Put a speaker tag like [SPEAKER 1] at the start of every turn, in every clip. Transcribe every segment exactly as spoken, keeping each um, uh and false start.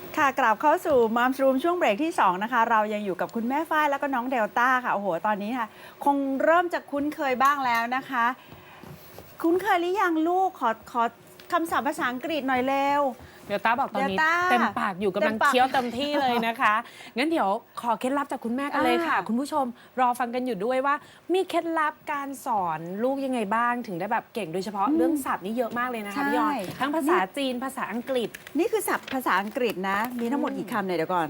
[SPEAKER 1] ค่ะกลับเข้าสู่มัมส์รูมช่วงเบรกที่สองนะคะเรายังอยู่กับคุณแม่ฝ้ายแล้วก็น้องเดลต้าค่ะโอ้โหตอนนี้ค่ะคงเริ่มจะคุ้นเคยบ้างแล้วนะคะคุ้นเคยหรือยังลูกขอขอคำศัพท์ภาษาอังกฤษหน่อยเร็ว
[SPEAKER 2] เดลต้าบอกตอนนี้
[SPEAKER 1] Delta
[SPEAKER 2] เต็มปากอยู่กำลัง
[SPEAKER 1] เต็มปาก
[SPEAKER 2] เคี้ยวเต็มที่เลยนะคะ งั้นเดี๋ยวขอเคล็ดลับจากคุณแม่กันเลยค่ะ
[SPEAKER 1] อ่า
[SPEAKER 2] คุณผู้ชมรอฟังกันอยู่ด้วยว่า มีเคล็ดลับการสอนลูกยังไงบ้างถึงได้แบบเก่งโดยเฉพาะเรื่องศัพท์นี่เยอะมากเลยนะคะพี่ยอดทั้งภาษาจีนภาษาอังกฤษ
[SPEAKER 1] นี่คือศัพท์ภาษาอังกฤษนะมีทั้งหมดกี่คำเนี่ยเดี๋ยวก่อน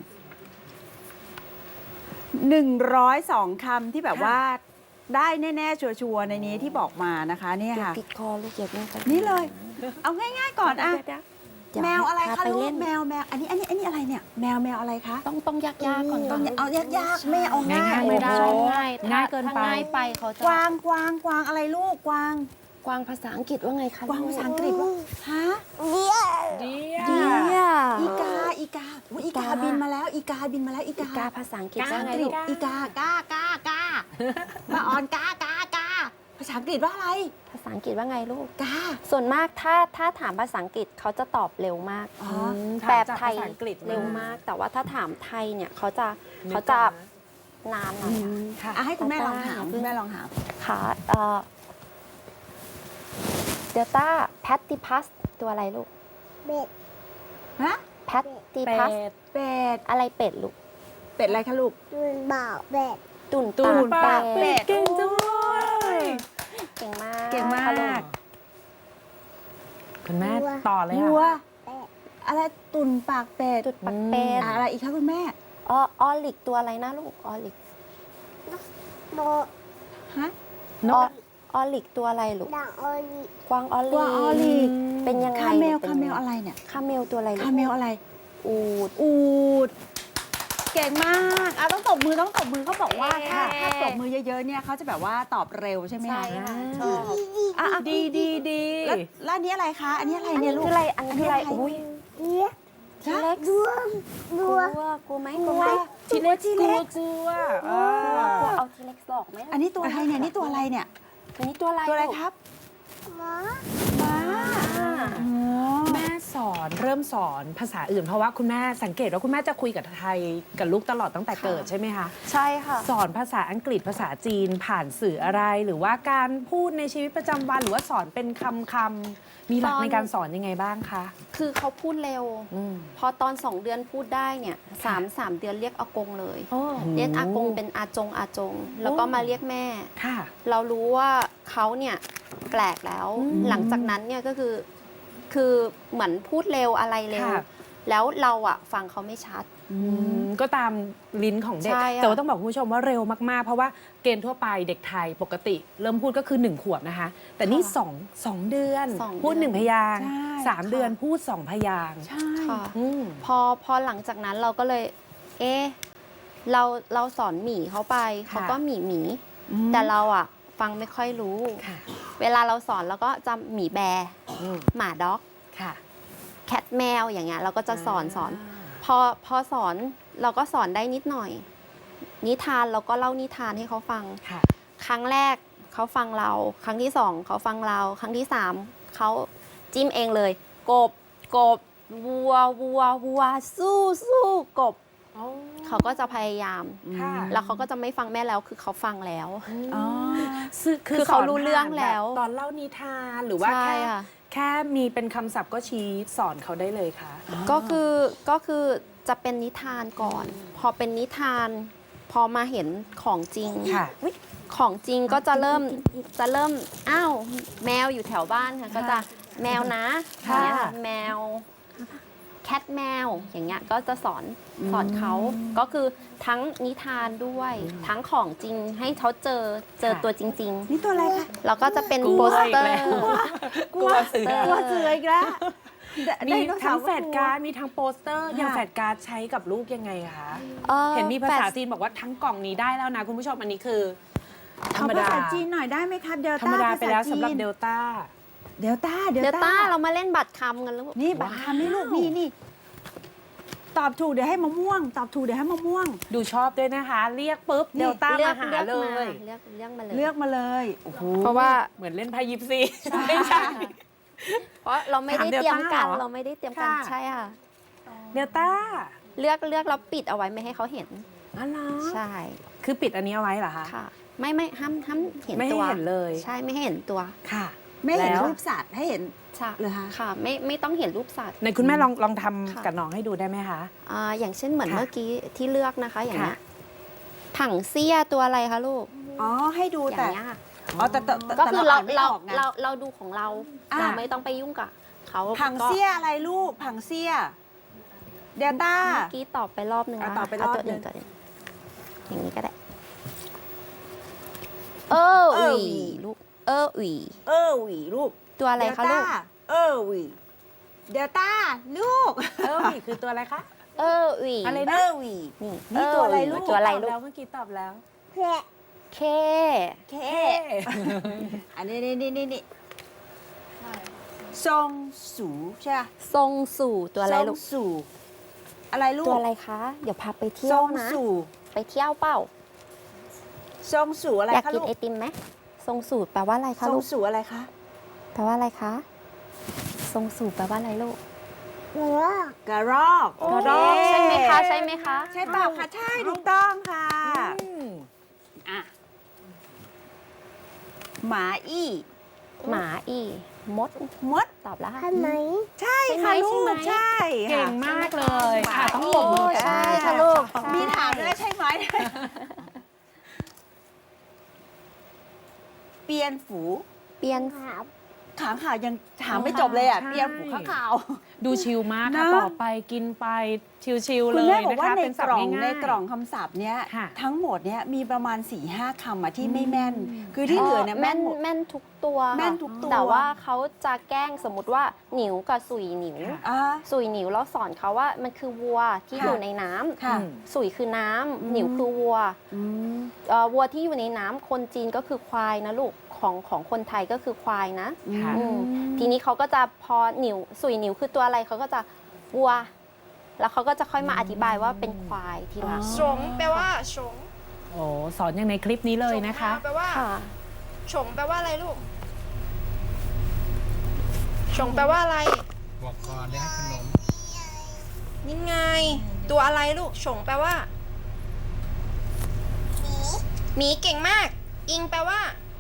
[SPEAKER 1] หนึ่งร้อยสองคำที่แบบว่าได้แน่ๆชัวร์ๆในนี้ที่บอกมานะคะเนี่ยค่ะ
[SPEAKER 3] ปิดคอลูกอย่าเพิ่งไป
[SPEAKER 1] นี่เลย เอาง่ายๆก่อนอะ
[SPEAKER 3] เดี๋ยว
[SPEAKER 1] แมวอะไร
[SPEAKER 3] พา
[SPEAKER 1] คะ
[SPEAKER 3] ไป
[SPEAKER 1] ลู
[SPEAKER 3] เล่
[SPEAKER 1] ก
[SPEAKER 3] น
[SPEAKER 1] แมวแมวอันนี้อันนี้อันนี้อะไรเนี่ยแมวแมวอะไรคะ
[SPEAKER 3] ต้องต้องยากๆก่อน
[SPEAKER 1] ต้องเอายากๆไม่เอาง่าย
[SPEAKER 2] ง่ายๆ
[SPEAKER 3] ไม่
[SPEAKER 2] ไม่
[SPEAKER 3] ได้
[SPEAKER 2] ได้
[SPEAKER 3] ง่าย
[SPEAKER 2] ง่ายเกินไป
[SPEAKER 3] ถ้ง่ายไปเขาจะ
[SPEAKER 1] กวางกวางกวางอะไรลูกกวาง
[SPEAKER 3] กวางภาษาอังกฤษว่าไงคะ
[SPEAKER 1] กวางภาษาอังกฤษว่าฮะ
[SPEAKER 2] เดีย
[SPEAKER 3] เดีย
[SPEAKER 1] อีกาอีกาอุ๊ยอีกาบินมาแล้ว อีกาบินมาแล้วอี
[SPEAKER 3] อี
[SPEAKER 1] กาก
[SPEAKER 3] าภาษาอังกฤษ
[SPEAKER 1] ภาษา
[SPEAKER 3] ว่า
[SPEAKER 1] อัง
[SPEAKER 3] ไง
[SPEAKER 1] กฤ
[SPEAKER 3] ลู
[SPEAKER 1] ษ
[SPEAKER 3] ก
[SPEAKER 1] อีกากากากามาออนกากากาภาษาอังกฤษว่าอะไร
[SPEAKER 3] ภาษาอังกฤษว่าไงลูก
[SPEAKER 1] กา
[SPEAKER 3] ส่วนมากถ้าถ้าถามภาษาอังกฤษเขาจะตอบเร็วมาก
[SPEAKER 1] อ๋อ
[SPEAKER 3] แปล
[SPEAKER 2] จาก
[SPEAKER 3] ไทย
[SPEAKER 2] ภาษาอังกฤษ
[SPEAKER 3] เร็วมาก แต่ว่าถ้าถามไทยเนี่ยเขาจะ
[SPEAKER 2] นึก
[SPEAKER 3] เขาจะ
[SPEAKER 2] ก่อนน
[SPEAKER 3] นานหน่อยอะ
[SPEAKER 2] ค่ะ
[SPEAKER 1] อ่ะให้คุณแม่ลองถาม
[SPEAKER 3] ตาตา
[SPEAKER 1] คุณแม่ลองถาม
[SPEAKER 3] ค่ะเอ่อเดลต้าแพตติพัสตัวอะไรลูก
[SPEAKER 1] ฮะ
[SPEAKER 3] แพตติ
[SPEAKER 2] เป็
[SPEAKER 3] พัส
[SPEAKER 2] ด
[SPEAKER 1] เป็ด
[SPEAKER 3] อะไรเป็ดลูก
[SPEAKER 1] เป็ดอะไรคะลูก
[SPEAKER 4] ตุนบ่าวเป็ด
[SPEAKER 3] ตุ่น
[SPEAKER 2] ตูน
[SPEAKER 3] ปา
[SPEAKER 2] ปาก ก
[SPEAKER 3] เป็
[SPEAKER 2] เป็
[SPEAKER 3] ด
[SPEAKER 2] ดเก่งจังเลย
[SPEAKER 3] เก่งมาก
[SPEAKER 1] เก่งมาก
[SPEAKER 3] ค่ะลู
[SPEAKER 2] คุณแม่ต่อเลย
[SPEAKER 1] วัว
[SPEAKER 2] ค่ะ
[SPEAKER 1] อะไรตุ่นปากเป็ด
[SPEAKER 3] ตุ่นปากเป็ด
[SPEAKER 1] อ่ะอะไรอีกคะคุณแม่
[SPEAKER 3] ออออลิกตัวอะไรนะลูกออลิก
[SPEAKER 4] โด
[SPEAKER 1] ฮะ
[SPEAKER 2] น
[SPEAKER 3] ออก ออลิกตัวอะไรลูก
[SPEAKER 4] ดังโอลิ
[SPEAKER 3] กวางออลิ
[SPEAKER 1] กวางออลิก
[SPEAKER 3] เป็นยังไง
[SPEAKER 1] คาเมล
[SPEAKER 3] ป็น
[SPEAKER 1] คา
[SPEAKER 3] ยัง
[SPEAKER 1] เม
[SPEAKER 3] ไง
[SPEAKER 1] ลอะไรเนี่ย
[SPEAKER 3] คาเมลตัวอะไรลูก
[SPEAKER 1] คาเมลอะไร
[SPEAKER 3] อูด
[SPEAKER 1] อูดเก่งมากอ่ะต้องตบมือต้องตบมือเขาบอกว่าถ้าถ้าตบมือเยอะๆเนี่ยเขาจะแบบว่าตอบเร็วใช่ไหม
[SPEAKER 3] ใช่
[SPEAKER 1] คะ
[SPEAKER 3] ค่ะชอบ
[SPEAKER 1] อ่ะอ่ะ
[SPEAKER 2] ดีดีดี
[SPEAKER 1] แล้วแล้วอันนี้อะไรคะ อันนี้อะไร
[SPEAKER 3] อัน
[SPEAKER 1] เนี่
[SPEAKER 3] นี้
[SPEAKER 1] ยลูก
[SPEAKER 3] คืออะไรอันนี้คืออะไรอุ้ย
[SPEAKER 4] เอี๊ยะ
[SPEAKER 3] ทีเล็ก
[SPEAKER 4] ดวงด
[SPEAKER 3] กลั
[SPEAKER 4] ว
[SPEAKER 3] ว
[SPEAKER 4] ง
[SPEAKER 3] กลัวไหมกลัวไหม
[SPEAKER 2] ทีเล็กกลัวกลัวเอก
[SPEAKER 3] ลัว
[SPEAKER 2] อก
[SPEAKER 3] ลัวเอาทีเล็กหลอกไหม
[SPEAKER 1] อันนี้ตัวอะไรเนี่ยนี่ตัวอะไรเนี่ย
[SPEAKER 3] อันนี้ตัวอะไร
[SPEAKER 1] ตัวอะไร
[SPEAKER 3] ลูก
[SPEAKER 1] ครับ
[SPEAKER 4] หมอ
[SPEAKER 1] ม้า
[SPEAKER 3] อ่า
[SPEAKER 1] อ๋อ
[SPEAKER 2] แม่สอนเริ่มสอนภาษาอื่น เพราะว่าคุณแม่สังเกตว่าคุณแม่จะคุยกับไทยกับลูกตลอดตั้งแต่เกิดใช่ไหมคะ
[SPEAKER 3] ใช่ค่ะ
[SPEAKER 2] สอนภาษาอังกฤษภาษาจีนผ่านสื่ออะไรหรือว่าการพูดในชีวิตประจำวันหรือว่าสอนเป็นคำคำๆมีหลัก
[SPEAKER 3] ตอน
[SPEAKER 2] ในการสอนยังไงบ้างคะ
[SPEAKER 3] คือเขาพูดเร็ว
[SPEAKER 2] อืม
[SPEAKER 3] พอตอนสองเดือนพูดได้เนี่ยสามสามเดือนเรียกอากงเลย
[SPEAKER 2] โอ้
[SPEAKER 3] เรียกอากงเป็นอาจงอาจง แล้วก็มาเรียกแม่
[SPEAKER 2] ค่ะ
[SPEAKER 3] เรารู้ว่าเขาเนี่ยแปลกแล้ว
[SPEAKER 2] อืม
[SPEAKER 3] หลังจากนั้นเนี่ยก็คือคือเหมือนพูดเร็วอะไรเร็ว
[SPEAKER 2] ค่ะ
[SPEAKER 3] แล้วเราอะฟังเขาไม่ชัด
[SPEAKER 2] อืมก็ตามลิ้นของเด็ก
[SPEAKER 3] ใช่ค่ะ
[SPEAKER 2] แต่ว่าต้องบอกคุณผู้ชมว่าเร็วมากๆ เพราะว่าเกณฑ์ทั่วไปเด็กไทยปกติ เริ่มพูดก็คือหนึ่งขวบนะคะ แต่นี่สองสองเดือน
[SPEAKER 3] สองเดือน
[SPEAKER 2] พูดหนึ่งพยางค์
[SPEAKER 1] ใช่
[SPEAKER 2] สามเดือนพูดสองพยางค์
[SPEAKER 1] ใช่
[SPEAKER 3] ค่ะ
[SPEAKER 2] อืม
[SPEAKER 3] พอพอหลังจากนั้นเราก็เลย เอ๊ะเราเราสอนหมีเขาไป เขาก็หมีหมี
[SPEAKER 1] อืม
[SPEAKER 3] แต่เราอะฟังไม่ค่อยรู้
[SPEAKER 2] ค่ะ
[SPEAKER 3] เวลาเราสอนเราก็จะหมีแบร์
[SPEAKER 2] อืม
[SPEAKER 3] หมาด็อก
[SPEAKER 2] ค่ะ
[SPEAKER 3] แคทแมวอย่างเงี้ยเราก็จะสอนสอน พอพอสอนเราก็สอนได้นิดหน่อย นิทานเราก็เล่านิทานให้เขาฟัง
[SPEAKER 2] ค่ะ
[SPEAKER 3] ครั้งแรกเขาฟังเรา ครั้งที่สองเขาฟังเรา ครั้งที่สามเขาจิ้มเองเลย กบกบวัววัววัวสู้สู้กบ เขาก็จะพยายาม
[SPEAKER 2] ค่ะ
[SPEAKER 3] แล้วเขาก็จะไม่ฟังแม่แล้วคือเขาฟังแล้ว
[SPEAKER 1] อ๋อ
[SPEAKER 2] ซึ่ง
[SPEAKER 3] คือเขารู้เรื่องแล้ว
[SPEAKER 2] สนผ่านบบตอนเล่านิทานหรือว่า
[SPEAKER 3] ใช่
[SPEAKER 2] แค่
[SPEAKER 3] ค่ะ
[SPEAKER 2] แค่มีเป็นคำศัพท์ก็ชี้สอนเขาได้เลยค่ะ
[SPEAKER 3] ก็คือก็คือจะเป็นนิทานก่อน พอเป็นนิทาน พอมาเห็นของจริง
[SPEAKER 2] ค่ะ
[SPEAKER 3] อุ๊ยของจริงก็จะเริ่มจะเริ่มอ้าวแมวอยู่แถวบ้านค่ะก็จะแมวนะอ
[SPEAKER 2] ค่ะ
[SPEAKER 3] ย่างเงี้ยค่ะแมวแคทแมวอย่างเงี้ยก็จะสอนสอนเขาก็คือทั้งนิทานด้วย ทั้งของจริงให้เขาเจอเจอตัวจริง
[SPEAKER 1] นี่ตัวอะไรคะ
[SPEAKER 3] ๆ แล้วก็จะเป็น
[SPEAKER 2] กลัว
[SPEAKER 3] โปสเตอ
[SPEAKER 2] อีก
[SPEAKER 3] ร์
[SPEAKER 2] แล้ว กลัวเสือ
[SPEAKER 1] กลัวเสืออีกแล้ว
[SPEAKER 2] มี
[SPEAKER 1] ไดโนเสา
[SPEAKER 2] ทั้ง
[SPEAKER 1] ร์
[SPEAKER 2] แฟดการ์ดมีทั้งโปสเตอร์
[SPEAKER 1] ค่ะ
[SPEAKER 2] อย่างแฟดการ์ดใช้กับลูกยังไงคะ
[SPEAKER 3] อ่อ
[SPEAKER 2] เห็นมีภาษา
[SPEAKER 3] แฟด
[SPEAKER 2] จีนบอกว่าทั้งกล่องนี้ได้แล้วนะ คุณผู้ชมอันนี้คือธร
[SPEAKER 1] ขอ
[SPEAKER 2] รม
[SPEAKER 1] ภา
[SPEAKER 2] ดา
[SPEAKER 1] ษาจีนหน่อยได้ไหมครับเดล
[SPEAKER 2] ธรรม
[SPEAKER 1] ต้า
[SPEAKER 2] ดาไปแล้ว
[SPEAKER 1] ภษ
[SPEAKER 2] สำหรับ
[SPEAKER 1] จีน
[SPEAKER 2] เดลต้า
[SPEAKER 1] เดลต้าเด
[SPEAKER 3] เด
[SPEAKER 1] ล
[SPEAKER 3] ล
[SPEAKER 1] ต้า
[SPEAKER 3] ต้าเรามาเล่นบัตรคำกันแล้ว
[SPEAKER 1] นี่บัตรคำนี่ลูกนี่นี่ตอบถูกเดี๋ยวให้มะม่วง ตอบถูกเดี๋ยวให้มะม่วง
[SPEAKER 2] ดูชอบด้วยนะคะ เรียกปุ๊บ
[SPEAKER 1] นี่
[SPEAKER 2] เดลต้า
[SPEAKER 3] เลื
[SPEAKER 2] มา
[SPEAKER 3] อก
[SPEAKER 2] หา
[SPEAKER 3] เลือก
[SPEAKER 2] เล
[SPEAKER 3] มาย เลือกเลือกมาเลย
[SPEAKER 1] เลือกมาเลยโอ้โห
[SPEAKER 3] เพราะว่า
[SPEAKER 2] เหมือนเล่นไพ่ยิปซีไม่ใช่
[SPEAKER 3] เพราะเราไม่ได้
[SPEAKER 2] ถาม
[SPEAKER 3] เตรียมกัน
[SPEAKER 2] Delta เหรอ
[SPEAKER 3] เราไม่ได้เตรียมกัน
[SPEAKER 2] ค่ะ
[SPEAKER 3] ใช่ค่ะ
[SPEAKER 2] เดลต้า
[SPEAKER 3] เลือกเลือกแล้วปิดเอาไว้ไม่ให้เขาเห็น
[SPEAKER 2] อ๋อเหรอ
[SPEAKER 3] ใช่
[SPEAKER 2] คือปิดอันนี้เอาไว้เหรอคะ
[SPEAKER 3] ค่ะ ไม่ไม่ห้ามห้ามเห็น
[SPEAKER 2] ไม่ให้
[SPEAKER 3] ตัว
[SPEAKER 2] เห็นเลย
[SPEAKER 3] ใช่ไม่ให้เห็นตัว
[SPEAKER 2] ค่ะ
[SPEAKER 1] ไม่เห็น
[SPEAKER 2] แล้ว
[SPEAKER 1] รูปสัตว์ให้เห็น
[SPEAKER 3] ใช่
[SPEAKER 1] เหรอคะ
[SPEAKER 3] ค่ะไม่ไม่ต้องเห็นรูปสัตว์
[SPEAKER 2] ในคุณแม่ลองลองท
[SPEAKER 3] ค่ะ
[SPEAKER 2] ำกับน้องให้ดูได้ไหมคะ
[SPEAKER 3] อ่าอย่างเช่นเหมือน
[SPEAKER 2] ค่ะ
[SPEAKER 3] เมื่อกี้ที่เลือกนะคะ อย่างเงี้ย
[SPEAKER 2] ค่ะ
[SPEAKER 3] ถังเสี้ยตัวอะไรคะลูก
[SPEAKER 1] อ๋อให้ดู
[SPEAKER 3] อย่า
[SPEAKER 1] แต่
[SPEAKER 3] งเงี้ยค่ะ
[SPEAKER 1] อ๋อแต่แต่แต่
[SPEAKER 3] ก็คือเรา
[SPEAKER 1] นไม่
[SPEAKER 3] เรา
[SPEAKER 1] ออกไง
[SPEAKER 3] เราเราดูของเรา
[SPEAKER 1] อ่า
[SPEAKER 3] เราไม่ต้องไปยุ่งกับเขา
[SPEAKER 1] ผัง
[SPEAKER 3] ก็
[SPEAKER 1] เสี้ยอะไรลูกผังเสี้ยเดลต้า
[SPEAKER 3] เมื่อกี้ตอบไปรอบหนึ่ง
[SPEAKER 1] อ่ะ
[SPEAKER 3] แล้ว
[SPEAKER 1] ตอบไปรอบ
[SPEAKER 3] เาตัวอื่น
[SPEAKER 1] หนึ่ง
[SPEAKER 3] ก่อนอย่างนี้ก็ได้ เออ
[SPEAKER 1] เอ
[SPEAKER 3] ห
[SPEAKER 1] อ
[SPEAKER 3] วี
[SPEAKER 1] หวี
[SPEAKER 3] ลูก เออหวี
[SPEAKER 1] เออหวีลูก
[SPEAKER 3] ตัวอะไรคะลูก
[SPEAKER 1] เดต้าเออหวีเดลต้าลูก
[SPEAKER 2] เออหวีคือตัวอะไรคะ
[SPEAKER 3] เออหวี
[SPEAKER 2] อะไร
[SPEAKER 1] เอ
[SPEAKER 2] นะ
[SPEAKER 1] อหวี
[SPEAKER 3] นี่
[SPEAKER 1] นี่ตัวอะไรลูก
[SPEAKER 3] ตัวอะไร
[SPEAKER 2] ตบ
[SPEAKER 3] ลูก
[SPEAKER 2] แล้วเมื่อกี้ตอบแล้ว
[SPEAKER 4] เพื่อ
[SPEAKER 3] เค
[SPEAKER 1] เคอันนี้นี่นี่นี่นี่ทรงสูใช่ไหม
[SPEAKER 3] ทรงสู่ตัวอะไรลูก
[SPEAKER 1] ทงสูอะไรลูก
[SPEAKER 3] ตัวอะไรคะ เดี๋ยวพาไปเที่
[SPEAKER 1] ท
[SPEAKER 3] ย
[SPEAKER 1] ร
[SPEAKER 3] ว
[SPEAKER 1] ง
[SPEAKER 3] นะ
[SPEAKER 1] สู
[SPEAKER 3] ไปเที่ยวเปล่า
[SPEAKER 1] ทรงสูอะไร
[SPEAKER 3] อยาก
[SPEAKER 1] คะ
[SPEAKER 3] กิ
[SPEAKER 1] ลู
[SPEAKER 3] น
[SPEAKER 1] ก
[SPEAKER 3] ไอติมไหมทรงสูตรแปลว่าอะไร
[SPEAKER 1] ท
[SPEAKER 3] คะ
[SPEAKER 1] ร
[SPEAKER 3] ลู
[SPEAKER 1] ง
[SPEAKER 3] ก
[SPEAKER 1] สูอะไรคะ
[SPEAKER 3] แปลว่าอะไรคะ ทรงสูตรแปลว่าอะไรลูก
[SPEAKER 4] หรือว่าก
[SPEAKER 1] ระรอก
[SPEAKER 3] กระรอกใช่ไหมคะ ใช่ไหมคะ
[SPEAKER 1] ใช่เปล่าคะใช่ถูกต้องค่ะ
[SPEAKER 2] อืม
[SPEAKER 1] อ่ะหมาอี้
[SPEAKER 3] หมาอีมด
[SPEAKER 1] มด
[SPEAKER 3] ตอบแล้วค่ะ
[SPEAKER 4] ทำไม
[SPEAKER 1] ใช่
[SPEAKER 3] ใช่ไหม
[SPEAKER 1] ค่ะลู
[SPEAKER 3] ใช่ไหม
[SPEAKER 1] กใช่
[SPEAKER 2] เก่ง
[SPEAKER 1] ค่ะ
[SPEAKER 2] มากเลยค่ะต้องปรบมือกัน
[SPEAKER 3] ใช่ค่ะลูก
[SPEAKER 1] มีถามด้วยใช่ไหม เปียนฝู
[SPEAKER 3] เปลี่ยน
[SPEAKER 4] ครับ
[SPEAKER 1] ขางข่าวยังถามไม่จบเลยอ่ะ
[SPEAKER 2] ใช่
[SPEAKER 1] เปียนฝูข้างข่าว
[SPEAKER 2] ดูชิลมากค่ะ
[SPEAKER 1] นะ
[SPEAKER 2] ต่อไปกินไปชิลๆ
[SPEAKER 1] คุ
[SPEAKER 2] เล
[SPEAKER 1] ณ
[SPEAKER 2] ย
[SPEAKER 1] แม่บอก
[SPEAKER 2] นะ
[SPEAKER 1] ว่า
[SPEAKER 2] คะ
[SPEAKER 1] ใน
[SPEAKER 2] เป็น
[SPEAKER 1] ก
[SPEAKER 2] ศัพ
[SPEAKER 1] ล่
[SPEAKER 2] ท์
[SPEAKER 1] อง
[SPEAKER 2] ง่ายๆ
[SPEAKER 1] ในกล่องคำศัพท์เนี้ย
[SPEAKER 2] ค่ะ
[SPEAKER 1] ทั้งหมดเนี้ยมีประมาณ4ี่ห้าคำอะที่ไม่แม่น คือที่เหลือเนี่ย
[SPEAKER 3] แม่
[SPEAKER 1] แม่น
[SPEAKER 3] น
[SPEAKER 1] หมด
[SPEAKER 3] แม่นทุกตัว
[SPEAKER 1] แม่นทุกตัว
[SPEAKER 3] แต่ว่าเขาจะแกล้งสมมติว่าหนิวกับสุยหนิว
[SPEAKER 2] ค่ะ
[SPEAKER 1] อ่ะ
[SPEAKER 3] สุยหนิวแล้วสอนเขาว่ามันคือวัวที่
[SPEAKER 1] ค่ะ
[SPEAKER 3] อยู่ในน้ำ
[SPEAKER 1] ค่ะ
[SPEAKER 2] อืม
[SPEAKER 3] สุยคือน้ำ
[SPEAKER 1] อืม
[SPEAKER 3] หนิวคือวัว
[SPEAKER 1] อืม
[SPEAKER 3] เอ่อวัวที่อยู่ในน้ำคนจีนก็คือควายนะลูกของของคนไทยก็คือควายนะ
[SPEAKER 2] ค่ะ
[SPEAKER 3] อืมทีนี้เขาก็จะพอหนิวสุยหนิวคือตัวอะไรเขาก็จะวัว แล้วเขาก็จะค่อยมาอธิบายว่าเป็นควายทีหลัง
[SPEAKER 1] อ๋อ
[SPEAKER 5] ฉงแปลว่าฉง
[SPEAKER 2] โอ้สอนอย่างในคลิปนี้เลยนะคะ
[SPEAKER 5] ฉงมาแปลว่า
[SPEAKER 3] ค่ะ
[SPEAKER 5] ฉงแปลว่าอะไรลูกฉงแปลว่าอะไร
[SPEAKER 6] บอกก่อนเลี้ยงขนม
[SPEAKER 5] นี่ไง ตัวอะไรลูกฉงแปลว่าหมีเก่งมาก อิงแปลว่า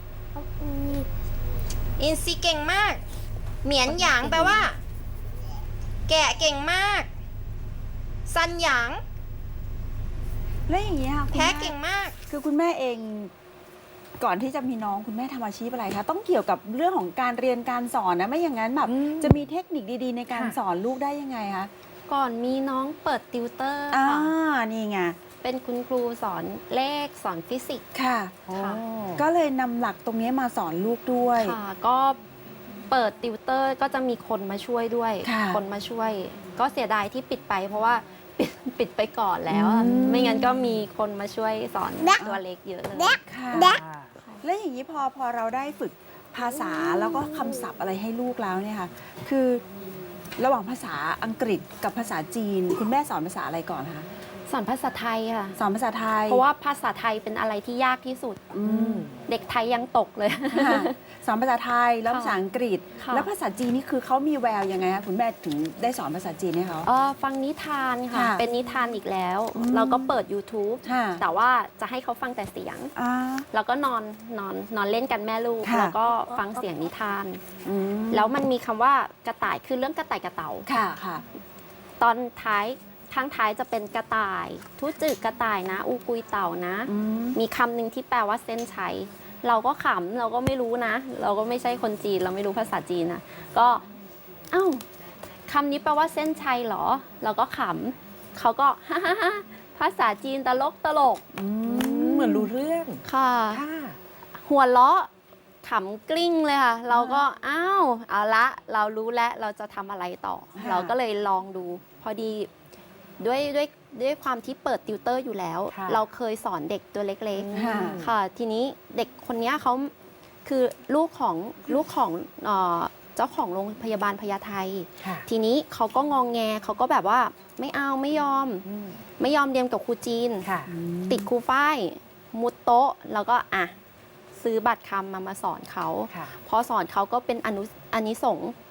[SPEAKER 5] อินซีเก่งมาก เหมียนหยางแปลว่า แกะเก่งมาก ซันหยาง
[SPEAKER 1] แล้วอย่างเงี้ยค่ะคุณ
[SPEAKER 5] แพ้
[SPEAKER 1] แม่
[SPEAKER 5] เก่งมาก
[SPEAKER 1] คือคุณแม่เองก่อนที่จะมีน้องคุณแม่ทำอาชีพอะไรคะต้องเกี่ยวกับเรื่องของการเรียนการสอนนะไม่อย่างนั้นแบบ
[SPEAKER 2] อืม
[SPEAKER 1] จะมีเทคนิคดีๆ ในการ
[SPEAKER 2] ค่ะ
[SPEAKER 1] สอนลูกได้ยังไงคะ
[SPEAKER 3] ก่อนมีน้องเปิดติวเตอร์
[SPEAKER 1] อ่า
[SPEAKER 3] ค่ะ
[SPEAKER 1] นี่ไง
[SPEAKER 3] เป็นคุณครูสอนเลขสอนฟิสิกส์
[SPEAKER 1] ค่ะ
[SPEAKER 3] ค่ะ
[SPEAKER 1] ก็เลยนำหลักตรงนี้มาสอนลูกด้วย
[SPEAKER 3] ค่ะ ก็เปิดติวเตอร์ก็จะมีคนมาช่วยด้วย
[SPEAKER 1] ค่ะ
[SPEAKER 3] คนมาช่วย ก็เสียดายที่ปิดไป เพราะว่า ปิดปิดไปก่อนแล้วอะ
[SPEAKER 1] อืม
[SPEAKER 3] ไม่งั้นก็มีคนมาช่วยสอนตัวเล็กเยอะเลย
[SPEAKER 1] ค่ะ
[SPEAKER 2] ค่ะ
[SPEAKER 1] แล้วอย่างนี้พอพอเราได้ฝึกภาษาแล้วก็คำศัพท์อะไรให้ลูกแล้วเนี่ยค่ะ คือระหว่างภาษาอังกฤษกับภาษาจีน คุณแม่สอนภาษาอะไรก่อนคะ
[SPEAKER 3] สอนภาษาไทยค่ะ
[SPEAKER 1] สอนภาษาไทย
[SPEAKER 3] เพราะว่าภาษาไทยเป็นอะไรที่ยากที่สุด
[SPEAKER 1] อืม
[SPEAKER 3] เด็กไทยยังตกเลย
[SPEAKER 1] ค่ะสอนภาษาไทยแล้ว
[SPEAKER 3] ค่ะ
[SPEAKER 1] ภาษาอังกฤษ
[SPEAKER 3] ค่ะ
[SPEAKER 1] แล้วภาษาจีนนี่คือเขามีแววยังไงคะคุณแม่ถึงได้สอนภาษาจีนให้เขา
[SPEAKER 3] เออฟังนิทานค่ะ
[SPEAKER 1] ค่ะ
[SPEAKER 3] เป็นนิทานอีกแล้ว
[SPEAKER 1] อืม
[SPEAKER 3] เราก็เปิด YouTube
[SPEAKER 1] ค่ะ
[SPEAKER 3] แต่ว่าจะให้เขาฟังแต่เสียง
[SPEAKER 1] อ่า
[SPEAKER 3] แล้วก็นอนนอนนอนเล่นกันแม่ลูก
[SPEAKER 1] ค่ะ
[SPEAKER 3] แล้วก็ฟังเสียงนิทาน
[SPEAKER 1] อืม
[SPEAKER 3] แล้วมันมีคำว่ากระต่ายคือเรื่องกระต่ายกระเต่า
[SPEAKER 1] ค่ะค่ะ
[SPEAKER 3] ตอนท้ายข้างท้ายจะเป็นกระต่าย ทุจึกกระต่ายนะ อูกุยเต่านะ
[SPEAKER 1] อืม
[SPEAKER 3] มีคำหนึ่งที่แปลว่าเส้นชัย เราก็ขำเราก็ไม่รู้นะ เราก็ไม่ใช่คนจีน เราไม่รู้ภาษาจีนนะก็เอ้าคำนี้แปลว่าเส้นชัยเหรอ เราก็ขำเขาก็ ฮ่าฮ่าฮ่าภาษาจีนตลกตลก
[SPEAKER 1] อื
[SPEAKER 2] เหมือนรู้เรื่อง
[SPEAKER 3] ค่ะ
[SPEAKER 2] ค่ะ
[SPEAKER 3] หัวเราะขำกลิ้งเลยค่ะ เราก็อ้าวเอาละเรารู้แล้วเราจะทำอะไรต่อ
[SPEAKER 1] ค่ะ
[SPEAKER 3] เราก็เลยลองดู พอดีด้วยด้วยด้วยความที่เปิดติวเตอร์อยู่แล้ว
[SPEAKER 2] ค่ะ
[SPEAKER 3] เราเคยสอนเด็กตัวเล็ก
[SPEAKER 1] ค่ะ
[SPEAKER 3] ๆ ค่ะ ทีนี้เด็กคนเนี้ยเขาคือลูกของลูกของเอ่อเจ้าของโรงพยาบาลพญาไท
[SPEAKER 2] ค่ะ
[SPEAKER 3] ทีนี้เขาก็งองแงเขาก็แบบว่าไม่เอาไม่ยอม
[SPEAKER 2] อืม
[SPEAKER 3] ไม่ยอมเรียนกับครูจีน
[SPEAKER 2] ค่ะ
[SPEAKER 3] ติดครูฝ้ายมุดโต๊ะ แล้วก็อ่ะซื้อบัตรคำมามาสอนเขา
[SPEAKER 2] ค่ะ
[SPEAKER 3] พอสอนเขาก็เป็นอนุอานิสงส์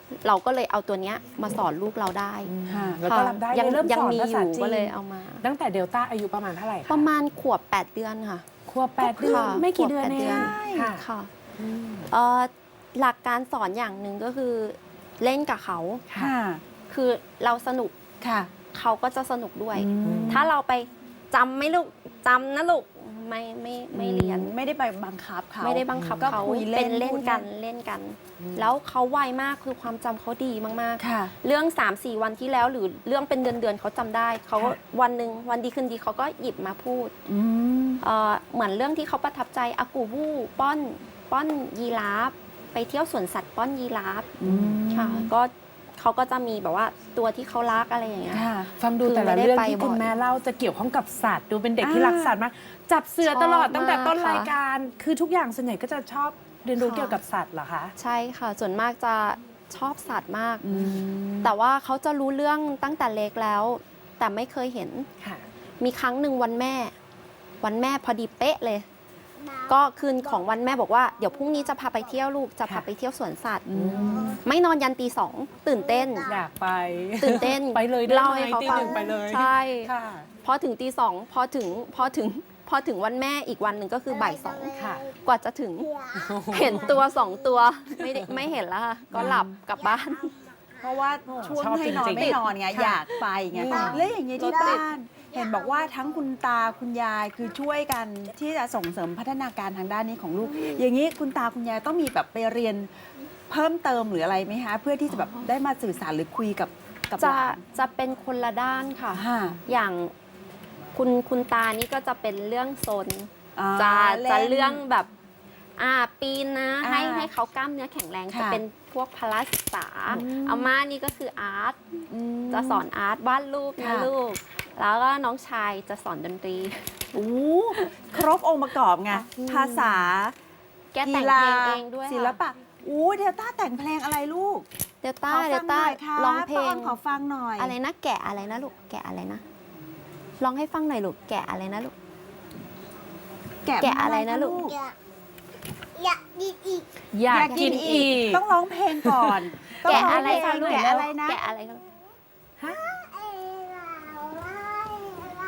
[SPEAKER 3] เราก็เลยเอาตัวเนี้ยมาสอนลูกเราได้
[SPEAKER 1] ค่ะ
[SPEAKER 2] แล้วก็รับได้
[SPEAKER 3] ยัง
[SPEAKER 2] เริ่ม
[SPEAKER 3] ยั
[SPEAKER 2] สอน
[SPEAKER 3] มี
[SPEAKER 2] ภา
[SPEAKER 3] อ
[SPEAKER 2] ษา
[SPEAKER 3] ยู่
[SPEAKER 2] จี
[SPEAKER 3] ก็เลย
[SPEAKER 2] น
[SPEAKER 3] เอามา
[SPEAKER 2] ตั้งแต่เดลต้าอายุประมาณเท่าไหร่
[SPEAKER 3] ป
[SPEAKER 2] คะ
[SPEAKER 3] ระมาณขวบแปดเดือนค่ะ
[SPEAKER 2] ขวบแปดเดือน
[SPEAKER 3] ค่ะ
[SPEAKER 2] ไม่กี่เดือน
[SPEAKER 3] ขวบแปด
[SPEAKER 2] เอ
[SPEAKER 3] เดือน
[SPEAKER 2] งค่ะ
[SPEAKER 3] ค่ะ
[SPEAKER 2] อืม
[SPEAKER 3] เอ่อหลักการสอนอย่างหนึ่งก็คือเล่นกับเขา
[SPEAKER 1] ค่ะ
[SPEAKER 3] คือเราสนุก
[SPEAKER 1] ค่ะ
[SPEAKER 3] เขาก็จะสนุกด้วย
[SPEAKER 1] อืม
[SPEAKER 3] ถ้าเราไปจำไหม่ลูกจำนะลูกไม่ไม่ไม่เรียน
[SPEAKER 1] ไม่ได้ไปบังคับเขา
[SPEAKER 3] ไม่ได้บังคับ
[SPEAKER 1] ก็
[SPEAKER 3] เขา
[SPEAKER 1] คุยเล่
[SPEAKER 3] เป็น นเล่น
[SPEAKER 1] พูด
[SPEAKER 3] กันเล่นกัน แล้วเขาไวมากคือความจำเขาดีมาก
[SPEAKER 1] ค่ะ
[SPEAKER 3] ๆ เรื่อง 3 4 วันที่แล้วหรือเรื่องเป็นเดือนๆเขาจำได้เขาก็
[SPEAKER 1] ค่ะ
[SPEAKER 3] วันหนึ่งวันดีคืนดีเขาก็หยิบมาพูด
[SPEAKER 1] อืม
[SPEAKER 3] เอ่อเหมือนเรื่องที่เขาประทับใจอากูบูป้อนป้อนยีราฟไปเที่ยวสวนสัตว์ป้อนยีราฟ
[SPEAKER 1] อืม
[SPEAKER 3] ค่ะก็เขาก็จะมีแบบว่าตัวที่เขารักอะไรอย่างเงี้ย
[SPEAKER 1] ค่ะ
[SPEAKER 2] ฟังดู
[SPEAKER 3] คือ
[SPEAKER 2] แต่ละ
[SPEAKER 3] ไม่ได้
[SPEAKER 2] เรื่อง
[SPEAKER 3] ไป
[SPEAKER 2] ที่คุณ
[SPEAKER 3] บ่อย
[SPEAKER 2] แม่เล่าจะเกี่ยวข้องกับสัตว์ ดูเป็นเด็กที่
[SPEAKER 1] อ่า
[SPEAKER 2] รักสัตว์มาก จับเสือตลอด
[SPEAKER 3] ชอบ
[SPEAKER 2] ตั้งแต่ต้น
[SPEAKER 3] มากค่ะ
[SPEAKER 2] รายการ คือทุกอย่างส่วนใหญ่ก็จะชอบเรียนรู้
[SPEAKER 3] ค่ะ
[SPEAKER 2] เกี่ยวกับสัตว์เหรอคะ
[SPEAKER 3] ใช่ค่ะ ส่วนมากจะชอบสัตว์มาก
[SPEAKER 1] อืม
[SPEAKER 3] แต่ว่าเขาจะรู้เรื่องตั้งแต่เล็กแล้ว แต่ไม่เคยเห็น
[SPEAKER 2] ค่ะ
[SPEAKER 3] มีครั้งหนึ่งวันแม่ วันแม่พอดีเป๊ะเลย ก็คืนของวันแม่บอกว่าเดี๋ยวพรุ่งนี้จะพาไปเที่ยวลูกจะพา
[SPEAKER 2] ค่ะ
[SPEAKER 3] ไปเที่ยวสวนสัตว์
[SPEAKER 1] อืม
[SPEAKER 3] ไม่นอนยันตีสองตื่นเต้น
[SPEAKER 2] อยากไป
[SPEAKER 3] ตื่นเต้น
[SPEAKER 2] ไปเลยได้
[SPEAKER 3] เล่า
[SPEAKER 2] ไหม
[SPEAKER 3] ให้เขา
[SPEAKER 2] ตี
[SPEAKER 3] ฟั
[SPEAKER 2] ห
[SPEAKER 3] ง
[SPEAKER 2] นึ่งไปเลย
[SPEAKER 3] ใช่
[SPEAKER 2] ค่ะ
[SPEAKER 3] พอถึงตีสองพอถึงพอถึงพอถึงวันแม่อีกวันหนึ่งก็คือบ่ายสอง
[SPEAKER 2] ค่ะ
[SPEAKER 3] กว่าจะถึงเห็นตัวสองตัวไม่ได้ไม่เห็นแล้วค่ะก็หลับกลับบ้าน
[SPEAKER 1] เพราะว่าช่วง
[SPEAKER 2] ชอบ
[SPEAKER 1] ให้นอน
[SPEAKER 2] จริงๆ
[SPEAKER 1] ไม่นอนไง
[SPEAKER 2] ค่ะ
[SPEAKER 1] อยากไปไง
[SPEAKER 3] ค่ะ
[SPEAKER 1] แล้วอย่างนี้ที่บ้าน เห็นบอกว่าทั้งคุณตาคุณยายคือช่วยกันที่จะส่งเสริมพัฒนาการทางด้านนี้ของลูก อย่างนี้คุณตาคุณยายต้องมีแบบไปเรียนเพิ่มเติมหรืออะไรไหมคะเพื่อที่จะแบบได้มาสื่อสารหรือคุยกับกับ
[SPEAKER 3] จะ
[SPEAKER 1] หลาน
[SPEAKER 3] จะเป็นคนละด้านค่ะ
[SPEAKER 1] ค่ะ
[SPEAKER 3] อย่างคุณคุณตานี่ก็จะเป็นเรื่องโซน
[SPEAKER 1] อ่า
[SPEAKER 3] จะ
[SPEAKER 1] ล่น
[SPEAKER 3] จะเรื่องแบบอ่าปีนนะ
[SPEAKER 1] อ่า
[SPEAKER 3] ให้ให้เขากล้ามเนื้อแข็งแรง
[SPEAKER 1] ค่ะ
[SPEAKER 3] จะเป็นพวกพละศึกษา
[SPEAKER 1] อืม
[SPEAKER 3] อาม่านี่ก็คืออาร์ต
[SPEAKER 1] ม
[SPEAKER 3] จะสอนอาร์ตวาดรูปนะ
[SPEAKER 1] ค่ะ
[SPEAKER 3] ลูก แล้วก็น้องชายจะสอนดนตรี
[SPEAKER 1] โอ้ครบองค์ประกอบไง
[SPEAKER 3] อืม
[SPEAKER 1] ภาษา
[SPEAKER 3] แกแต่งเพลงเองด้วย
[SPEAKER 1] ศิลปะอู้เดลต้าแต่งเพลงอะไรลูก
[SPEAKER 3] เดลต้า
[SPEAKER 1] ขอ
[SPEAKER 3] เด
[SPEAKER 1] ฟั
[SPEAKER 3] ล
[SPEAKER 1] งห
[SPEAKER 3] ต้า
[SPEAKER 1] น่อยค่ะ
[SPEAKER 3] ร้องเพล
[SPEAKER 1] ป้าอ้อง นขอฟังหน่อย
[SPEAKER 3] อะไรนะแกะอะไรนะลูกแกะอะไรนะร้องให้ฟังหน่อยลูกแกะอะไรนะลูก แกะอะไรนะลูก
[SPEAKER 4] อยากอยากกินอีก
[SPEAKER 2] อยากกินอีก
[SPEAKER 1] ต้องร้องเพลงก่อนต้อง
[SPEAKER 3] แกะ
[SPEAKER 1] ร้ง
[SPEAKER 3] อะไร
[SPEAKER 1] เพล
[SPEAKER 3] คะ
[SPEAKER 1] ง
[SPEAKER 3] ลูก
[SPEAKER 1] แกะอะไรนะ
[SPEAKER 3] แกะอะไรคะ
[SPEAKER 4] เอ้เราเรา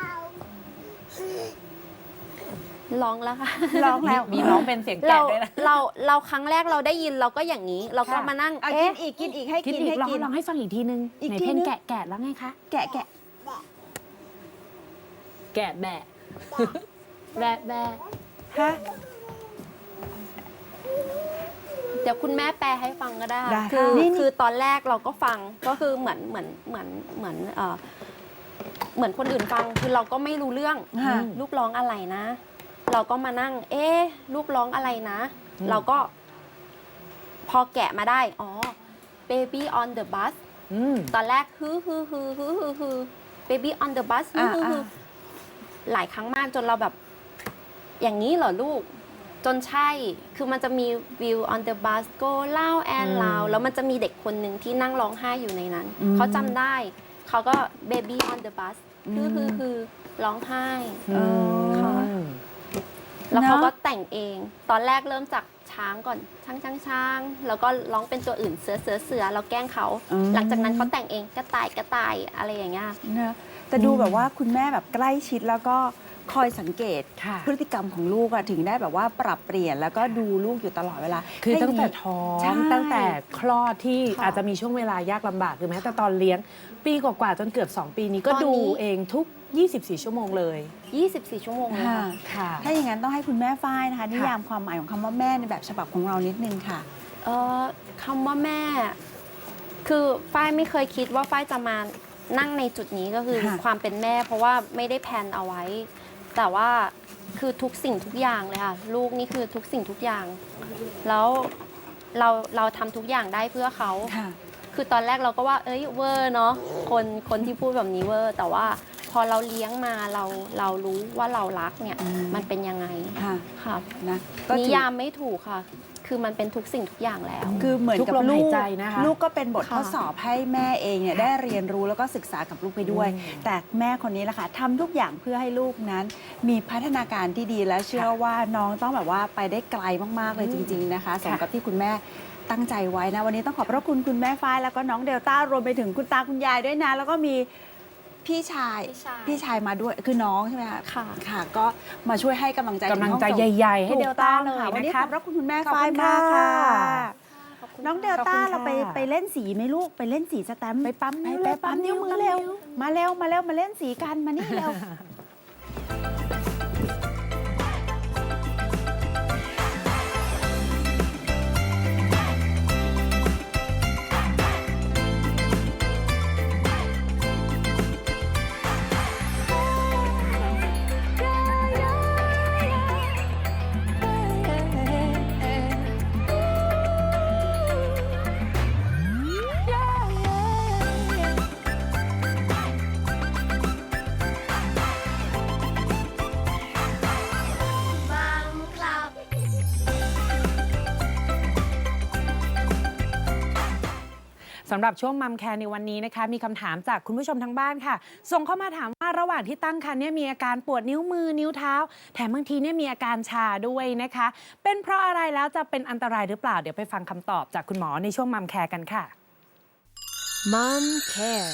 [SPEAKER 3] ร้องแล้วค่ะ
[SPEAKER 1] ร้องแล้ว
[SPEAKER 2] มีร้องเป็นเสียง
[SPEAKER 3] เรา
[SPEAKER 2] แกะด้วยนะ
[SPEAKER 3] เราเราครั้งแรกเราได้ยินเราก็อย่างนี้ เราก็
[SPEAKER 1] ค่ะ
[SPEAKER 3] มานั่ง
[SPEAKER 1] อ่ะกิ
[SPEAKER 3] เอ๊ะ
[SPEAKER 1] นอีกกินอีกให้
[SPEAKER 2] คิด
[SPEAKER 1] กิน
[SPEAKER 2] อีก
[SPEAKER 1] ให้
[SPEAKER 2] ลอง
[SPEAKER 1] กิน
[SPEAKER 2] ลองให้ฟังอีกทีนึง
[SPEAKER 1] อีก
[SPEAKER 2] ไหน
[SPEAKER 1] ที
[SPEAKER 2] เพลง
[SPEAKER 1] นึง
[SPEAKER 2] แกะแกะแล้วไงคะ
[SPEAKER 1] แกะแกะ
[SPEAKER 2] แกะแบะ แบะแบะ
[SPEAKER 1] ฮะ
[SPEAKER 3] เดี๋ยวคุณแม่แปลให้ฟังก็ได้
[SPEAKER 1] ได้
[SPEAKER 3] คือ
[SPEAKER 1] ค่ะนี่
[SPEAKER 3] คือตอนแรกเราก็ฟังก็คือเหมือนเหมือนเหมือนเหมือนเอ่อเหมือนคนอื่นฟังคือเราก็ไม่รู้เรื่อง
[SPEAKER 1] ค่ะ
[SPEAKER 3] ลูกร้องอะไรนะ เราก็มานั่ง เอ๊ะลูกร้องอะไรนะ เราก็ พอแกะมาได้ อ๋อ baby on the bus
[SPEAKER 2] อืม
[SPEAKER 3] ตอนแรกฮือฮือฮือฮือฮือฮือ baby on the bus ฮือฮือฮือหลายครั้งมากจนเราแบบ อย่างนี้เหรอลูก จนใช่ คือมันจะมี view on the bus go loud and
[SPEAKER 2] อืม
[SPEAKER 3] loud แล้วมันจะมีเด็กคนหนึ่งที่นั่งร้องไห้อยู่ในนั้น
[SPEAKER 1] อืม
[SPEAKER 3] เขาจำได้ เขาก็ baby on the bus คือคือคือร้องไห้
[SPEAKER 1] อ๋อ
[SPEAKER 3] ค่ะ
[SPEAKER 2] อืม
[SPEAKER 3] แล้วเขา
[SPEAKER 1] เนอะ
[SPEAKER 3] ก็แต่งเอง ตอนแรกเริ่มจากช้างก่อน ช้างช้างช้างแล้วก็ร้องเป็นตัวอื่น เสือเสือเสือเราแกล้งเขา
[SPEAKER 1] อืม
[SPEAKER 3] หลังจากนั้นเขาแต่งเองกระต่ายกระต่ายอะไรอย่างเงี้ย
[SPEAKER 1] นะแต่ดูแบบว่าคุณแม่แบบใกล้ชิดแล้วก็คอยสังเกต
[SPEAKER 2] ค่ะ
[SPEAKER 1] พฤติกรรมของลูกอะถึงได้แบบว่าปรับเปลี่ยนแล้วก็ดูลูกอยู่ตลอดเวลา
[SPEAKER 2] คือตั้งแต่
[SPEAKER 1] ให้
[SPEAKER 2] ท้อง
[SPEAKER 1] ใช่
[SPEAKER 2] ตั้งแต่คลอดที่
[SPEAKER 3] ค่ะ
[SPEAKER 2] อาจจะมีช่วงเวลายากลำบากหรือแม้แต่ตอนเลี้ยง ปีกว่าๆจนเกือบสองปีนี้ก็
[SPEAKER 3] ตอนนี้
[SPEAKER 2] ดูเองทุก ยี่สิบสี่ ชั่วโมงเลย
[SPEAKER 3] ยี่สิบสี่ ชั่วโมงเลย
[SPEAKER 1] ค่ะ
[SPEAKER 3] ค่ะ
[SPEAKER 2] ค่ะ
[SPEAKER 1] ถ้าอย่างนั้นต้องให้คุณแม่ฝ้ายนะคะนิยามความหมายของคำว่าแม่ในแบบฉบับของเรานิดนึงค่ะ
[SPEAKER 3] เอ่อคำว่าแม่ คือฝ้ายไม่เคยคิดว่าฝ้ายจะมานั่งในจุดนี้ก็คือ
[SPEAKER 1] ค่ะ
[SPEAKER 3] ความเป็นแม่ เพราะว่าไม่ได้แพลนเอาไว้ แต่ว่าคือทุกสิ่งทุกอย่างเลยค่ะ ลูกนี่คือทุกสิ่งทุกอย่าง แล้วเราเราทำทุกอย่างได้เพื่อเขา
[SPEAKER 1] ค่ะ
[SPEAKER 3] คือตอนแรกเราก็ว่า เอ้ยเวอร์เนาะคนคนที่พูดแบบนี้เวอร์ แต่ว่าพอเราเลี้ยงมาเราเรารู้ว่าเรารักเนี่ย
[SPEAKER 1] อืม
[SPEAKER 3] มันเป็นยังไง
[SPEAKER 1] ค่ะ
[SPEAKER 3] ค่ะ
[SPEAKER 1] นะก็
[SPEAKER 3] นิ
[SPEAKER 1] ถือ
[SPEAKER 3] ยามไม่ถูกค่ะ คือมันเป็นทุกสิ่งทุกอย่างแล้ว
[SPEAKER 1] คือเหมือน
[SPEAKER 2] ทุก
[SPEAKER 1] กับ
[SPEAKER 2] ลม
[SPEAKER 1] ลู
[SPEAKER 2] หาย
[SPEAKER 1] ก
[SPEAKER 2] ใจนะคะ
[SPEAKER 1] ลูกก็เป็นบท
[SPEAKER 3] ค่ะ
[SPEAKER 1] ทดสอบให้แม่เองเนี่ยได้เรียนรู้แล้วก็ศึกษากับลูกไปด้วย แต่แม่คนนี้แหละค่ะทำทุกอย่างเพื่อให้ลูกนั้น มีพัฒนาการที่ดีและเชื่อว่าน้องต้องแบบว่าไปได้ไกลมากๆเลยจริง ๆนะคะสมกับที่คุณแม่ตั้งใจไว้นะ วันนี้ต้องขอบพระคุณคุณแม่ฝ้ายแล้วก็น้องเดลต้ารวมไปถึงคุณตาคุณยายด้วยนะ แล้วก็มีพี่ชาย
[SPEAKER 3] พี่ชาย
[SPEAKER 1] พี่ชายมาด้วยคือน้องใช่ไหมคะ
[SPEAKER 3] ค่ะ
[SPEAKER 1] ค่ะ ก็มาช่วยให้กำลังใจ
[SPEAKER 2] กำลังใจ
[SPEAKER 1] ถึห้อส่
[SPEAKER 2] ใหญ่ๆให้
[SPEAKER 1] ถูก
[SPEAKER 2] เดลต้า
[SPEAKER 1] ต้อง
[SPEAKER 2] เลย
[SPEAKER 1] ค่ะวันนี้
[SPEAKER 2] นะ
[SPEAKER 1] ข
[SPEAKER 2] คะ
[SPEAKER 1] อบพระคุณคุณแม่
[SPEAKER 2] ขอบ
[SPEAKER 1] ฝ้าย
[SPEAKER 2] คุณ
[SPEAKER 1] มากค่ะ
[SPEAKER 2] ค่ะ
[SPEAKER 1] น้องเดลต้า
[SPEAKER 2] ขอบคุณค่ะ
[SPEAKER 1] เราไปไปเล่นสีไหมลูกไปเล่นสีสแตมป์
[SPEAKER 2] ไปปั๊ม
[SPEAKER 1] ไป
[SPEAKER 2] นิ้ว
[SPEAKER 1] ไป
[SPEAKER 2] เร็ว
[SPEAKER 1] ปั๊มนิ้วมือ
[SPEAKER 2] ปั๊ม
[SPEAKER 1] เร็ว
[SPEAKER 2] นิ้ว
[SPEAKER 1] มาเร็วมาเร็วมาเล่นสีกันมานี่เร็ว
[SPEAKER 4] มัมคลับ
[SPEAKER 2] สำหรับช่วงมัมแคร์ในวันนี้นะคะมีคำถามจากคุณผู้ชมทางบ้านค่ะ ส่งเข้ามาถามว่าระหว่างที่ตั้งครรภ์เนี่ยมีอาการปวดนิ้วมือนิ้วเท้า แถมบางทีเนี่ยมีอาการชาด้วยนะคะ เป็นเพราะอะไรแล้วจะเป็นอันตรายหรือเปล่าเดี๋ยวไปฟังคำตอบจากคุณหมอในช่วงมัมแคร์กันค่ะ
[SPEAKER 5] Mom Care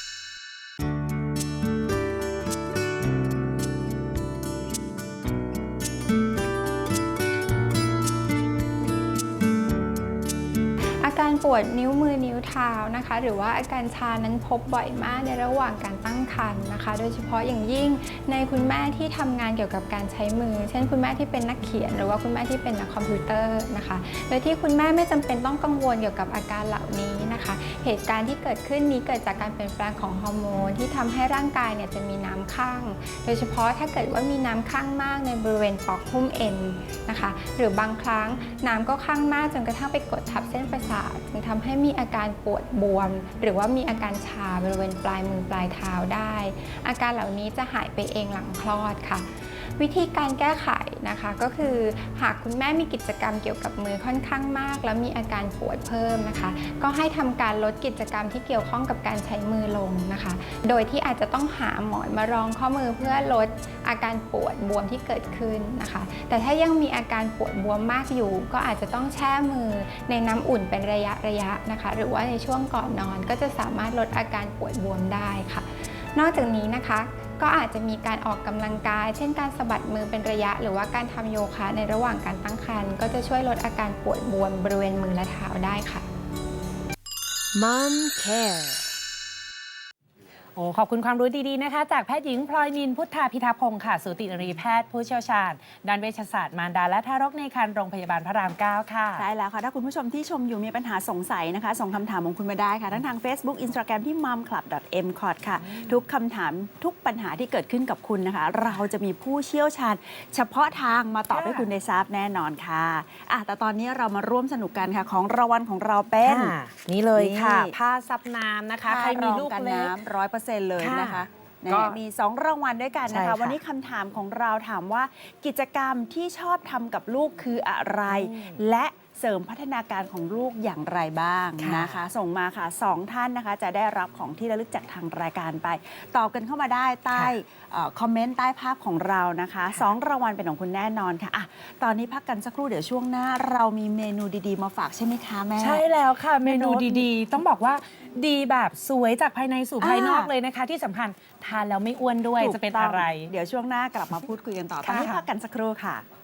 [SPEAKER 7] อาการปวดนิ้วมือนิ้วเท้านะคะ หรือว่าอาการชานั้นพบบ่อยมากในระหว่างการตั้งครรภ์นะคะ โดยเฉพาะอย่างยิ่งในคุณแม่ที่ทำงานเกี่ยวกับการใช้มือ เช่นคุณแม่ที่เป็นนักเขียน หรือว่าคุณแม่ที่เป็นนักคอมพิวเตอร์นะคะโดยที่คุณแม่ไม่จำเป็นต้องกังวลเกี่ยวกับอาการเหล่านี้นะคะ เหตุการณ์ที่เกิดขึ้นนี้เกิดจากการเปลี่ยนแปลงของฮอร์โมนที่ทำให้ร่างกายเนี่ยจะมีน้ำข้าง โดยเฉพาะถ้าเกิดว่ามีน้ำข้างมากในบริเวณปลอกหุ้มเอ็นนะคะ หรือบางครั้งน้ำก็ข้างมากจนกระทั่งไปกดทับเส้นประสาทจึงทำให้มีอาการปวดบวม หรือว่ามีอาการชาบริเวณปลายมือปลายเท้าได้ อาการเหล่านี้จะหายไปเองหลังคลอดค่ะ วิธีการแก้ไขนะคะก็คือหากคุณแม่มีกิจกรรมเกี่ยวกับมือค่อนข้างมาก แล้วมีอาการปวดเพิ่มนะคะ ก็ให้ทำการลดกิจกรรมที่เกี่ยวข้องกับการใช้มือลงนะคะ โดยที่อาจจะต้องหาหมอนมารองข้อมือเพื่อลดอาการปวดบวมที่เกิดขึ้นนะคะ แต่ถ้ายังมีอาการปวดบวมมากอยู่ ก็อาจจะต้องแช่มือในน้ำอุ่นเป็นระยะระยะนะคะ หรือว่าในช่วงก่อนนอนก็จะสามารถลดอาการปวดบวมได้ค่ะ นอกจากนี้นะคะก็อาจจะมีการออกกำลังกาย เช่นการสะบัดมือเป็นระยะ หรือว่าการทำโยคะในระหว่างการตั้งครรภ์ก็จะช่วยลดอาการปวดบวมบริเวณมือและเท้าได้ค่ะ
[SPEAKER 5] Mom Care
[SPEAKER 2] โอ้ขอบคุณความรู้ดีๆนะคะ จากแพทย์หญิงพลอยนินพุทธาพิทักษ์พงศ์ค่ะสูตินรีแพทย์ผู้เชี่ยวชาญด้านเวชศาสตร์มารดาและทารกในครรภ์โรงพยาบาลพระรามเก้าค่ะ
[SPEAKER 1] ใช่แล้วค่ะ ถ้าคุณผู้ชมที่ชมอยู่มีปัญหาสงสัยนะคะ ส่งคำถามของคุณมาได้ค่ะ ทั้งทาง Facebook Instagram ที่ มัมคลับ ดอท เอ็ม คอท ค่ะ ทุกคำถามทุกปัญหาที่เกิดขึ้นกับคุณนะคะ เราจะมีผู้เชี่ยวชาญ เฉพาะทางมาตอบ
[SPEAKER 2] ค่ะ
[SPEAKER 1] ให้คุณได้ทราบแน่นอนค่ะอ่ะ แต่ตอนนี้เรามาร่วมสนุกกันค่ะ ของรางวัลของเราเป็น
[SPEAKER 2] ค่ะนี่เลยค่ะ
[SPEAKER 1] นี่
[SPEAKER 2] ผ้าซับน้ำนะคะ ใครมีลูก
[SPEAKER 1] กัน
[SPEAKER 2] เล็ก
[SPEAKER 1] น้ำร้อยเปอร์เซ็นต์เลยนะคะ
[SPEAKER 2] ค่ะ
[SPEAKER 1] นะ
[SPEAKER 2] ก็
[SPEAKER 1] มีสองรางวัลด้วยกันนะ
[SPEAKER 2] ใช่
[SPEAKER 1] คะ
[SPEAKER 2] ค่ะ
[SPEAKER 1] วันนี้คำถามของเราถามว่ากิจกรรมที่ชอบทำกับลูกคืออะไร และเสริมพัฒนาการของลูกอย่างไรบ้าง
[SPEAKER 2] ค่ะ
[SPEAKER 1] นะคะ ส่งมาค่ะสองท่านนะคะ จะได้รับของที่ระลึกจากทางรายการไป ตอบกันเข้ามาได้ใต้เอ่อคอมเมนต์ใต้ภาพของเรานะคะสองรางวัลเป็นของคุณแน่นอนค่ะอ่ะ ตอนนี้พักกันสักครู่เดี๋ยวช่วงหน้า เรามีเมนูดีๆมาฝากใช่ไหมคะแม่
[SPEAKER 2] ใช่แล้วค่ะ เมนู
[SPEAKER 1] เมนู
[SPEAKER 2] ดีๆ ต้องบอกว่าดีแบบสวยจากภายในสู่ภายนอก
[SPEAKER 1] อ่า
[SPEAKER 2] เลยนะคะ ที่สำคัญทานแล้วไม่อ้วนด้วย
[SPEAKER 1] ถูก
[SPEAKER 2] จะเป็น
[SPEAKER 1] ต้ง
[SPEAKER 2] อะไร
[SPEAKER 1] เดี๋ยวช่วงหน้ากลับมาพูดคุยกันต่อ ตอนนี้
[SPEAKER 2] ค่ะ
[SPEAKER 1] พักกันสักครู่ค่ะ